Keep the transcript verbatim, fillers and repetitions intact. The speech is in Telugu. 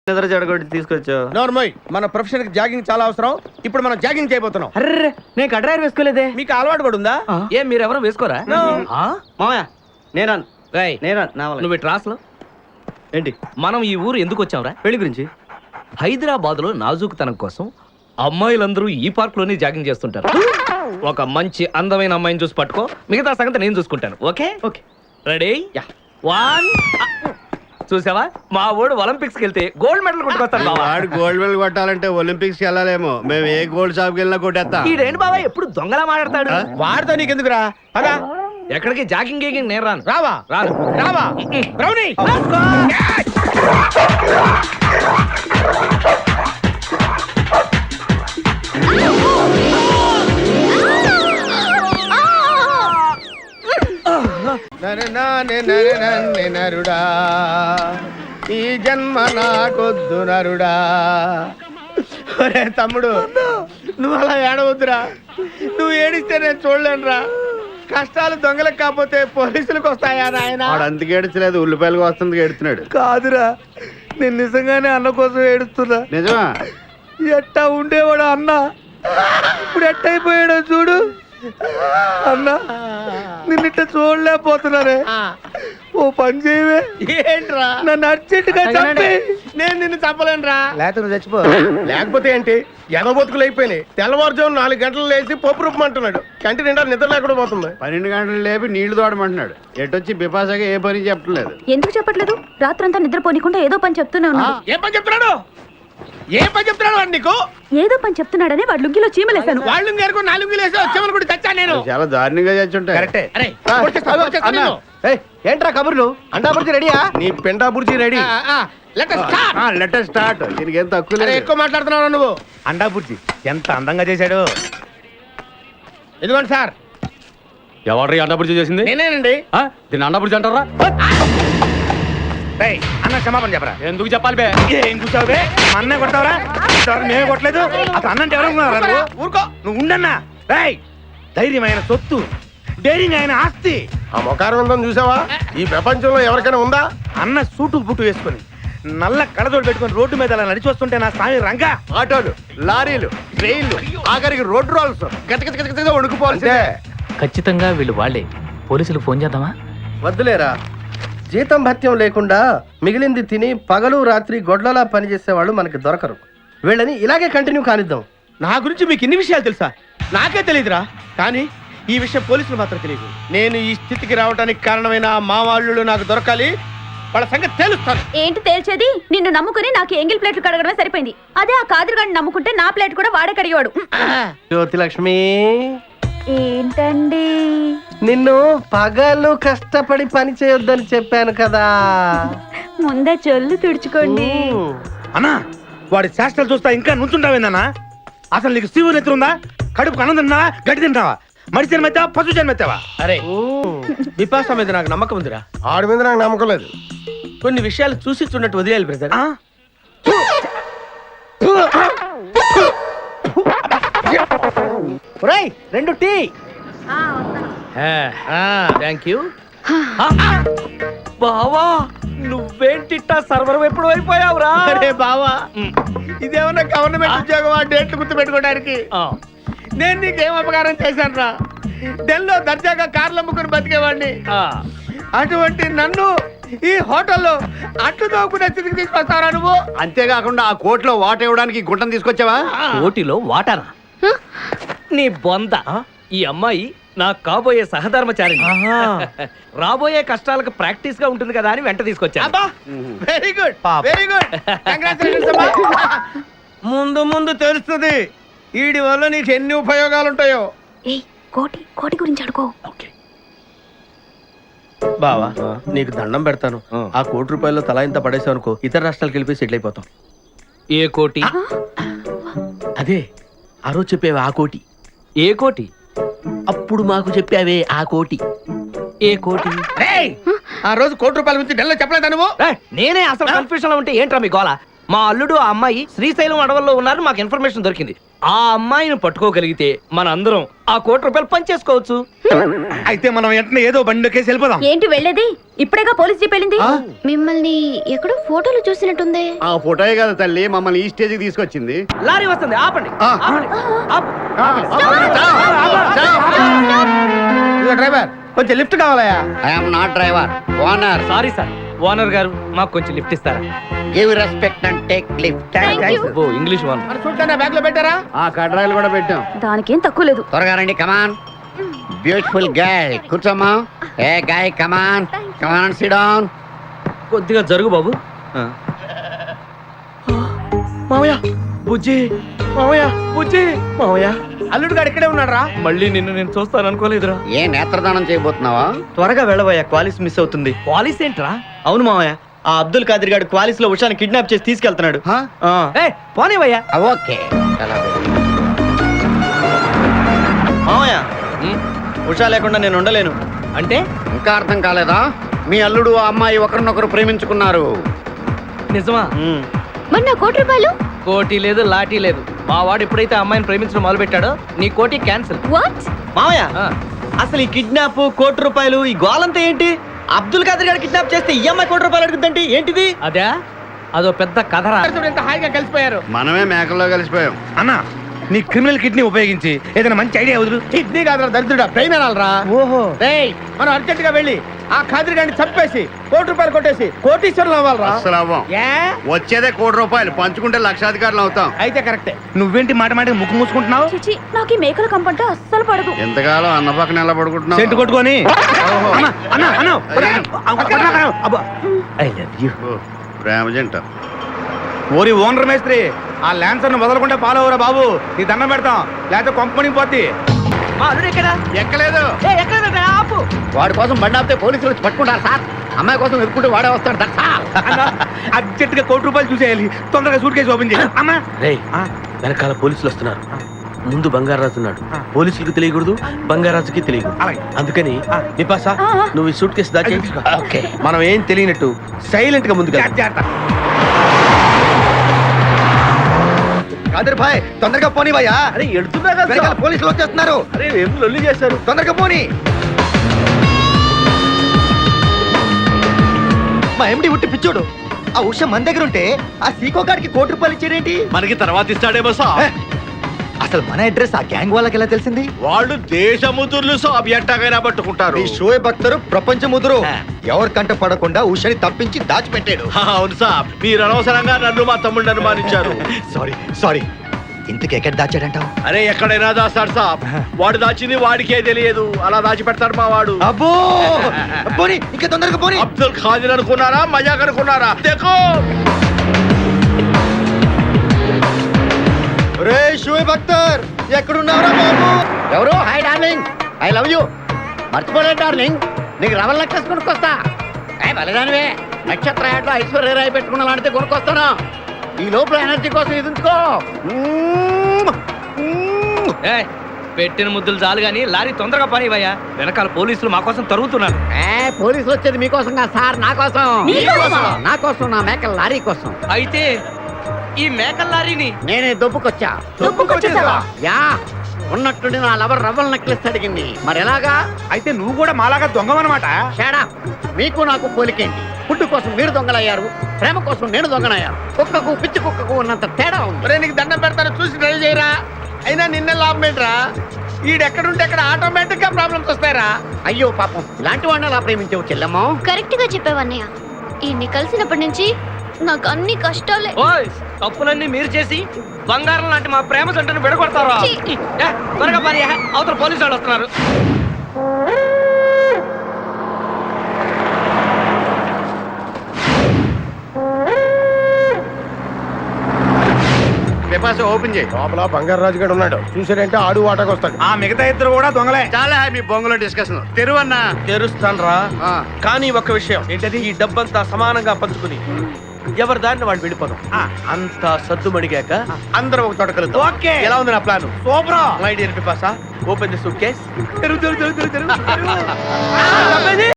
నిద్ర చెడగొట్టి తీసుకొచ్చావు. నోర్మోయ్, మన ప్రొఫెషన్ కి జాగింగ్ చాలా అవసరం. ఇప్పుడు మనం జాగింగ్ చేయబోతున్నాం. అర్రే నేను కడ్రాయర్ వేసుకోలేదే. మీకు అలవాటు కూడా ఉందా? ఏం మీరెవరూ వేసుకోరా? మామయ్య నేరాను రేయ్, నేరాను నా వల్ల. నువ్వు ట్రాస్లో ఏంటి మనం ఈ ఊరు ఎందుకు వచ్చాంరా? పెళ్లి గురించి. హైదరాబాద్ లో నాజూకుతనం కోసం అమ్మాయిలందరూ ఈ పార్క్ లోనే జాగింగ్ చేస్తుంటారు. ఒక మంచి అందమైన అమ్మాయిని చూసి పట్టుకో, మిగతా సంగతి నేను చూసుకుంటాను. Okay okay ready? Yeah. One. చూసావా, మా వాడు ఒలింపిక్స్ కి వెళ్తే గోల్డ్ మెడల్ కొట్టుకొస్తాడు బావా. వాడు గోల్డ్ మెడల్ కొట్టాలంటే ఒలింపిక్స్ కి వెళ్ళాలేమో. మేము ఏ గోల్డ్ షాప్ కి వెళ్ళినా కొట్టేస్తాం. ఈడేంటి బావా ఎప్పుడు దొంగలా మాట్లాడతాడు? వాడితో నీకెందుకురా? అదా ఎక్కడికి జాగింగ్ గీగింగ్ నేను రాను. రావా రాను రావా బ్రౌనీ. నరుడా, ఈ జన్మ నాకొద్దు నరుడా. ఒరే తమ్ముడు, నువ్వు అలా ఏడవద్దురా. నువ్వు ఏడిస్తే నేను చూడలేనురా. కష్టాలు దొంగలకు కాకపోతే పోలీసులకు వస్తాయా నాయన? వాడు అందుకు ఏడ్చలేదు, ఉల్లిపాయలకు వస్తుంది ఏడుతున్నాడు. కాదురా, నేను నిజంగానే అన్న కోసం ఏడుస్తున్నా. నిజమా? ఎట్టా ఉండేవాడు అన్న, ఇప్పుడు ఎట్టయిపోయాడో చూడు. అన్న నిన్నిట్ట చూడలేకపోతున్నానే. ఓ పని చేయవే. ఏంట్రా? నన్ను అర్జెంటుగా చంపి. నేను నిన్ను చంపలేనురా. లేకపోతే నువ్వు చచ్చిపో. లేకపోతే ఏంటి, ఎదబొతుకులు అయిపోయినాయి. తెల్లవారుజాము నాలుగు గంటలు లేచి పప్పు రూపమంటున్నాడు. కంటి నిండా నిద్ర లేకుండా పోతుంది. పన్నెండు గంటలు లేపి నీళ్లు తోడమంటున్నాడు. ఎటొచ్చి బిపాసగా ఏ పని చెప్పట్లేదు. ఎందుకు చెప్పట్లేదు? రాత్రంతా నిద్రపోనికుండా ఏదో పని చెప్తూనే ఉన్నాడు. ఏ పని చెప్తున్నాడు? ఏ పని చెప్తున్నాడు వాడు నీకు? ఏదో పని చెప్తున్నాడని వాడు లుంగిలో చీమలేశాను. వాళ్ళు ఇంకేరుకో నాలుగు లేసి వచ్చేవాళ్ళు కూడా చచ్చా నేను. చాలా దారుణంగా చచ్చుంటాయి. కరెక్టే. ఏంట్రా కబుర్లు? అండాబుర్జీ రెడీయా? నీ పెండాబుర్జీ రెడీ. Letter start. దీనికి ఏం తక్కువ లేదు. ఎక్కువ మాట్లాడుతున్నావు నువ్వు. అండాబుర్జీ ఎంత అందంగా చేశాడు. ఇదిగోండి సార్. ఎవరు అన్నప్పుడు చేసింది? నేనేనండి. దీన్ని అన్నప్పుడు అంటారా? అన్న క్షమాపణ చెప్పరా. ఎందుకు చెప్పాలి బే? ఏం కూర్చోవు బే? అన్నే కొడతావరా? మేమే కొట్టలేదు. అసలు అన్నంటే ఎవరు? ఊరుకో నువ్వు ఉండన్నా. రేయ్, ధైర్యమైన సొత్తు, డైరింగ్ అయిన ఆస్తి. ఆ మొకారం చూసావా? ఈ ప్రపంచంలో ఎవరికైనా ఉందా? అన్న సూటు బుట్టు వేసుకొని నల్ల కళ్ళజోడు పెట్టుకొని రోడ్డు మీద అలా నడిచి వస్తుంటే నా స్వామి రంగా. ఆటోలు, లారీలు, ట్రైన్లు, ఆఖరికి రోడ్డు రోల్స్ గతగతగతగత వణుకుపోవాల్సిందే. ఖచ్చితంగా వీళ్ళు వాళ్ళే. పోలీసులకు ఫోన్ చేద్దామా? వద్దులేరా, జీతం భత్యం లేకుండా మిగిలింది తిని పగలు రాత్రి గొడ్లలా పనిచేసేవాళ్ళు మనకి దొరకరు. వీళ్ళని ఇలాగే కంటిన్యూ కానిద్దాం. నా గురించి మీకు ఇన్ని విషయాలు తెలుసా? నాకే తెలియదురా. కానీ ఈ విషయం పోలీసులు మాత్రం తెలియదు. నేను ఈ స్థితికి రావడానికి కారణమైన మా వాళ్ళు నాకు దొరకాలి. వాళ్ళ సంగతి తేలుస్తాను. ఏంటి తేల్చేది? నిన్ను నమ్ముకుని నాకు ఎంగిల్ ప్లేట్లు కడగడమే సరిపోయింది. అదే ఆ కాదురుగాడిని నమ్ముకుంటే నా ప్లేట్ కూడా వాడే కడిగాడు. జ్యోతి లక్ష్మి, ఏంటండి? నిన్ను పగలు కష్టపడి పని చేయొద్దని చెప్పాను కదా. ముందే చొల్లు తుడుచుకోండి. అన్నా, వాడి శాస్త్రాలు చూస్తా ఇంకా నుంచుంటావేందన్నా? అసలు నీకు శివుని ఎత్తుందా? కడుపు అన్నం తిన్నావా, గడ్డి తింటావా? మడిసి జన్మెత్తావా, పశు జన్మెత్తావా? అరే, విపాస మీద నాకు నమ్మకం ఉందిరా. ఆడి మీద నాకు నమ్మకం లేదు. కొన్ని విషయాలు చూసి చూడట్టు వదిలేయాలి బ్రదర్. రెండు టీ. Thank you. బావా, నువ్వేంటిట్టా సర్వర్ ఎప్పుడు అయిపోయావురా? అరే బావా, ఇదేమన్నా గవర్నమెంట్ ఉద్యోగం? ఆ డేట్లు గుర్తు పెట్టుకోవడానికి నేను నీకేం అపకారం చేశాను రా? ఢిల్లీలో దర్జాగా కార్లు అమ్ముకుని బతికేవాడిని. అటువంటి నన్ను ఈ హోటల్లో అట్లు తోకునే స్థితికి తీసుకొస్తారా నువ్వు? అంతేకాకుండా ఆ కోర్టులో వాట ఇవ్వడానికి గుంటను తీసుకొచ్చావా? ఓటిలో వాటారా? నీ బొంద. ఈ అమ్మాయి నా కాబోయే సహధర్మచారి. రాబోయే కష్టాలకు ప్రాక్టీస్ గా ఉంటుంది కదా అని వెంట తీసుకొచ్చా. Very good, very good. ముందు ముందు తెలుస్తుంది వీడి వల్ల నీకు ఎన్ని ఉపయోగాలు ఉంటాయో. ఏయ్, కోటి కోటి గురించి అడుకో. బావా, నీకు దండం పెడతాను. ఆ కోటి రూపాయలు తలా ఇంత పడేసావు అనుకో, ఇతర రాష్ట్రాలకు వెళ్ళిపోయి సెటిల్ అయిపోతాం. ఏ కోటి? అదే ఆ రోజు చెప్పేవే ఆ కోటి. ఏ కోటి? అప్పుడు మాకు చెప్పావే ఆ కోటి. ఏ కోటి? ఆ రోజు కోటి రూపాయల గురించి ఢిల్లీలో చెప్పలేదా నువ్వు? నేనే అసలు కన్ఫ్యూజన్ లో ఉంటే ఏంట్రా మీ గోల? మా అల్లుడు ఆ అమ్మాయి శ్రీశైలం అడవుల్లో ఉన్నారు, మాకు ఇన్ఫర్మేషన్ దొరికింది. ఆ అమ్మాయిని పట్టుకోగలిగితే మన అందరం ఆ కోటి రూపాయలు పంచేసుకోవచ్చు. అయితే మనం వెంటనే ఏదో బండికేసి వెళ్ళిపోదాం. ఏంటి వెళ్ళేది? ఇప్పుడేగా పోలీస్ జీప్ వెళ్ళింది. మిమ్మల్ని ఎక్కడో ఫోటోలు చూసినట్టుంది. ఆ ఫోటోయే కదా తల్లి మమ్మల్ని ఈ స్టేజ్ కి తీసుకొచ్చింది. లారీ వస్తుంది, ఆపండి. ఆ. ఆపండి. ఆపు. ఇదిగో డ్రైవర్, కొంచెం లిఫ్ట్ కావాలయా? I'm not driver, owner. Sorry sir, owner గారు మాకు కొంచెం లిఫ్ట్ ఇస్తారా? Give respect and take lift. Oh English one. మరి చూడండి, బ్యాగ్ లో పెట్టారా? ఆ కడ్రాయిలు కూడా పెట్టాం. దానికేం తక్కువ లేదు. త్వరగా రండి, కమాన్. బ్యూటిఫుల్ గర్ల్, కూర్చోమ్మా. Hey guy, come on come on, sit down. కొద్దిగా జరుగు బాబు. మామయ్య బుజ్జి, మామయ్య బుజ్జి, మామయ్య అల్లుడు గారు ఇక్కడే ఉన్నాడు రా. మళ్ళీ నిన్ను నేను చూస్తాను అనుకోలేదురా. ఏ నేత్రదానం చేయబోతున్నావా? త్వరగా వెళ్ళబోయా, క్వాలిస్ మిస్ అవుతుంది. పాలిస్ ఏంట్రా? అవును మామయ్య, ఆ అబ్దుల్ ఖాదర్ గారు క్వాలిస్ లో ఉషాని కిడ్నాప్ చేసి తీసుకెళ్తున్నాడు. హా? ఆ. ఏ పోనేవయ్యా. ఆ, ఓకే. చాలా బాగుంది. మామయ్య ఉమ్, ఉషా లేకుండా నేను ఉండలేను. అంటే ఇంకా అర్థం కాలేదా? మీ అల్లుడు ఆ అమ్మాయి ఒకరినొకరు ప్రేమించుకున్నారు. నిజమా? ఉమ్. మరి నా కోటి రూపాయలు? కోటి లేదు, లాఠీ లేదు. మా వాడు ఎప్పుడైతే ఆ అమ్మాయిని ప్రేమించడం మొదలు పెట్టాడో నీ కోటి క్యాన్సిల్. వాట్? మామయ్య అసలు ఈ కిడ్నాప్, కోటి రూపాయలు, ఈ గోలంతా ఏంటి? అబ్దుల్ ఖాదర్ గారు కిడ్నాప్ చేస్తే ఈ అమ్మాయి కోటి రూపాయలు అడుగుద్దంటే ఏంటిది? అదే అదో పెద్ద కథరా. ఎంత హాయిగా కలిసిపోయారు. మనమే మేకల్లో కలిసిపోయాం. అన్నా, నీ క్రిమినల్ కిడ్నీ ఉపయోగించి ఏదైనా మంచి ఐడియా వదులు. కిడ్నీ కాదురా దరిద్రుడా, బ్రెయిన్ అనాలరా. ఓహో. రేయ్, మనం అర్జెంట్ గా వెళ్ళి ఆ ఖాదర్ గారిని చంపేసి కోటి రూపాయలు కొట్టేసి కోటీశ్వరులు అవ్వాలరా. అస్సలు అవ్వం. ఏ? వచ్చేదే కోటి రూపాయలు, పంచుకుంటే లక్షాధికారులు అవుతాం. అయితే కరెక్టే. నువ్వేంటి మాట మాట ముక్కు మూసుకుంటున్నావు? చిచి, నాకు ఈ మేకల కంపంటే అస్సలు పడదు. ఎంతకాలం అన్న పక్కన ఎలా పడుకుంటున్నావు? సెంటు కొట్టుకొని. అన్నా, అన్నా, అన్నా, అబ్బా. I love you. ఓ, ప్రేమ జంట. ఓరి ఓనర్ మేస్త్రి, ఆ ల్యాన్సర్ ను వదలకుండా ఫాలో అవరా బాబు. నీ దండం పెడతాం, లేకపోతే కొంపని పోద్ది. మా అల్లుడు ఎక్కడా? ఎక్కలేదు. ఏ ఎక్కలేదా? ఆపు. వాడి కోసం బండి ఆపితే పోలీసులు వచ్చి పట్టుకుంటారు సార్. అమ్మాయి కోసం ఎదుర్కొంటే వాడే వస్తాడు సార్. సార్. అన్నా, అర్జెంట్ గా కోటి రూపాయలు చూసేయాలి. తొందరగా సూట్ కేసు ఓపెన్ చేయి. అమ్మా. రేయ్, ఆ, వెనకాల పోలీసులు వస్తున్నారు. ముందు బంగారాజు ఉన్నాడు. ఆ. పోలీసులకు తెలియకూడదు, బంగారాజుకి తెలియకూడదు. అలాగే. అందుకని ఆ. నిపాసా, ఆ, ఆ. నువ్వు ఈ సూట్ కేసు దాచి అది తీసుకో. ఓకే. మనం ఏం తెలియనట్టు సైలెంట్ గా ముందుకు జాగ్రత్త, జాగ్రత్త. కాదర్ భాయ్, తొందరగా పోనీ భయ్యా. అరే ఎడుతున్నా కదా వెనకాల పోలీసులు వచ్చేస్తున్నారు. అరే ఏం లొల్లి చేశారు. తొందరగా పోనీ. మా ఎండి ఉట్టి పిచ్చోడు. ఆ ఉష మన దగ్గర ఉంటే ఆ సీకో గాడికి కోటి రూపాయలు ఇచ్చారేంటి? మనకి తర్వాత ఇస్తాడేమో సాబ్. అసలు మన అడ్రస్ ఆ గ్యాంగ్ వాళ్ళకి ఎలా తెలిసింది? వాళ్ళు దేశముతుర్లు సాబ్ ఎట్టాగైనా పట్టుకుంటారు. ఈ షోయబ్ అఖ్తర్ ప్రపంచ ముదురు ఆ. ఎవరి కంట పడకుండా ఉషని తప్పించి దాచిపెట్టాడు. హా, అవును సాబ్, మీరు అనవసరంగా నన్ను మా తమ్ముడిని అనుమానించారు. సారీ సారీ ఇంతకు ఎక్కడ దాచాడంటావు? అరే ఎక్కడైనా దాస్తాడు సాబ్. వాడు దాచింది వాడికే తెలియదు, అలా దాచి పెడతాడు మా వాడు. అబ్బో పోనీ, ఇంకా తొందరగా పోనీ. అబ్దుల్ ఖాదర్ అనుకున్నారా, మజాక్ అనుకున్నారా? దేఖో. రే షోయబ్ అఖ్తర్, ఎక్కడున్నావురా బాబు? ఎవరు? Hi darling, I love you. మర్చిపోలేదు డార్లింగ్, నీకు రవల్ నెక్లెస్ కొనుక్కొస్తా. ఏ బలిదానివే, నక్షత్ర యాడ్లో ఐశ్వర్య రాయి పెట్టుకున్న లాంటిది కొనుక్కొస్తాను. ఈ లోపల ఎనర్జీ కోసం ఎదుంచుకో. ఏ పెట్టిన ముద్దులు చాలు గాని లారీ తొందరగా పనివయ్యా. వెనకాల పోలీసులు మా కోసం తరుగుతున్నారు. ఏ పోలీసులు వచ్చేది మీకోసం కాదు సార్, నా కోసం. నీకోసమా? నా కోసం, నా మేకల లారీ కోసం. అయితే ఈ మేకల లారీని నేనే దొబ్బుకొచ్చా. దొబ్బుకొచ్చేసావా? యా, ఉన్నట్టుండి నా లవర్ రవ్వల్ నెక్లెస్ అడిగింది. మరి ఎలాగా? అయితే నువ్వు కూడా మాలాగా దొంగవన్నమాట. షేడా, మీకు నాకు పోలికేంటి? ఫుడ్ కోసం మీరు దొంగలయ్యారు, ప్రేమ కోసం నేను దొంగనయ్యాను. కుక్కకు పిచ్చి కుక్కకు ఉన్నంత తేడా ఉంది. ఒరే, నీకు దండం పెడతాను, చూసి డ్రైవ్ చేయరా. అయినా నిన్న లాభం ఏంట్రా? ఈడెక్కడుంటే అక్కడ ఆటోమేటిక్ గా ప్రాబ్లమ్స్ వస్తాయరా. అయ్యో పాపం, ఇలాంటి వాడిని అలా ప్రేమించవు చెల్లెమ్మో. కరెక్ట్ గా చెప్పావన్నయ్య. ఈయన్ని కలిసినప్పటి నుంచి నాకు అన్ని కష్టాలే. ఓయ్ తప్పులన్నీ మీరు చేసి బంగారం లాంటి మా ప్రేమ జంటను విడగొడతారా? ఛీ. ఏ, త్వరగా పని, అవతల పోలీసు వాళ్ళు వస్తున్నారు. పేపర్స్ ఓపెన్ చేయి. లోపల బంగారు రాజు గారు ఉన్నాడు, చూసాడంటే ఆడు వాటకు వస్తాడు. ఆ మిగతా ఇద్దరు కూడా దొంగలే. చాలా మీ బొంగులో డిస్కషన్. తెరువన్నా. తెరుస్తాను రా. ఆ. కానీ ఒక విషయం ఏంటది? ఈ డబ్బంతా సమానంగా పంచుకుని ఎవరి దారిని వాళ్ళు వెళ్ళిపోదాం. ఆ. అంతా సద్దు మడిగాక అందరం ఒక తోట కలుద్దాం. ఓకే. ఎలా ఉంది నా plan? Super. My dear Pipasa, open the suitcase. తెరువు, తెరువు, తెరువు, తెరువు, తెరువు.